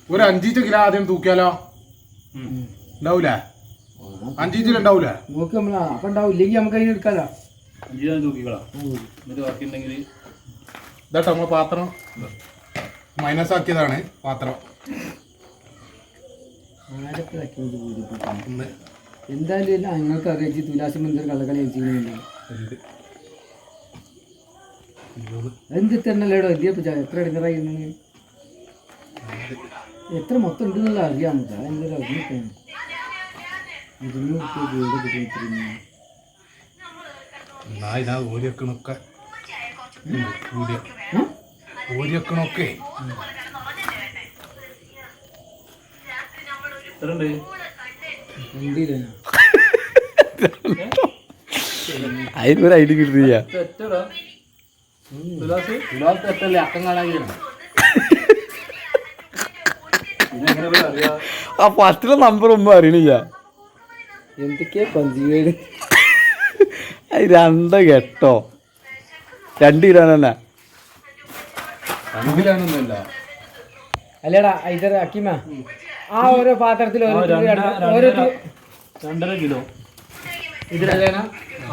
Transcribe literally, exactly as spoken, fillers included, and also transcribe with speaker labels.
Speaker 1: ഒരു അഞ്ചീച്ച കിലോ ആദ്യം തൂക്കിയാലോ? ഉണ്ടാവൂലേ? അഞ്ചീച്ചിൽ ഉണ്ടാവൂലേ?
Speaker 2: നോക്ക് നമ്മളാ അപ്പൊ ഉണ്ടാവും, ഇല്ലെങ്കിൽ നമുക്ക് അതിന് എടുക്കാലോ.
Speaker 3: അഞ്ച് തൂക്കിക്കളാം. എന്നിട്ട് ബാക്കിയുണ്ടെങ്കിൽ
Speaker 1: ഇതാട്ടോ നമ്മളെ പാത്രം മൈനസ് ആക്കിയതാണ് പാത്രം.
Speaker 2: എന്തായാലും നിങ്ങൾക്ക് അറിയിച്ച് തുലാശം എന്തൊരു കള്ളക്കളി ചെയ്യുന്നില്ല. എന്ത് തന്നെല്ലേടോ എത്തിയപ്പോ എത്ര ഇടങ്ങറായി എത്ര മൊത്തം ഉണ്ടെന്നുള്ള അറിയാം. എന്തൊരു അറിഞ്ഞിട്ടാണ്
Speaker 1: ഓരിയക്കണൊക്കെ ഓരിയക്കണൊക്കെ
Speaker 4: അതിനൊരു ഐഡിയ കിട്ടിയ
Speaker 2: അക്കം കാണാൻ
Speaker 4: ആ ഫസ്റ്റിലെ നമ്പർ ഒന്നും അറിയണില്ല.
Speaker 2: എന്തൊക്കെയാ പഞ്ചീവേട്
Speaker 4: അത് രണ്ട് കെട്ടോ രണ്ട് കിലോ തന്നെ
Speaker 1: അഞ്ചിലാനൊന്നുമല്ല.
Speaker 2: അല്ലേടാ ഇത് അക്കിമ ആ ഓരോ പാത്രത്തിൽ ഓരോ
Speaker 3: രണ്ടര കിലോ
Speaker 2: ഇതിലല്ലേനാ